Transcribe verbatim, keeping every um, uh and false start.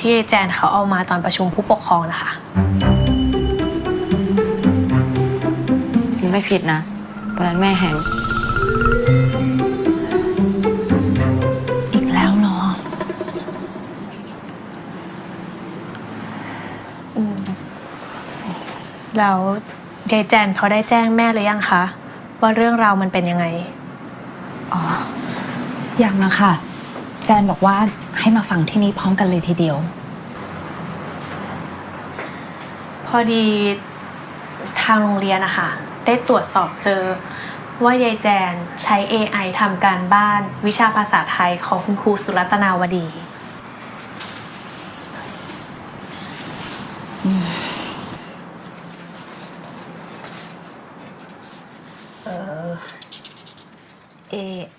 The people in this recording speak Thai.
ที่แจนเขาเอามาตอนประชุมผู้ปกครองนะคะไม่ผิดนะวันนั้นแม่แหงอีกแล้วเหรออืมแล้วยายแจนเขาได้แจ้งแม่หรือยังคะว่าเรื่องราวมันเป็นยังไงอ๋อยังนะคะแจนบอกว่าให้มาฟังที่นี่พร้อมกันเลยทีเดียวพอดีทางโรงเรียนนะคะได้ตรวจสอบเจอว่ายายแจนใช้ เอ ไอ ทำการบ้านวิชาภาษาไทยของคุณครูสุรัตนาวดีเออ เอ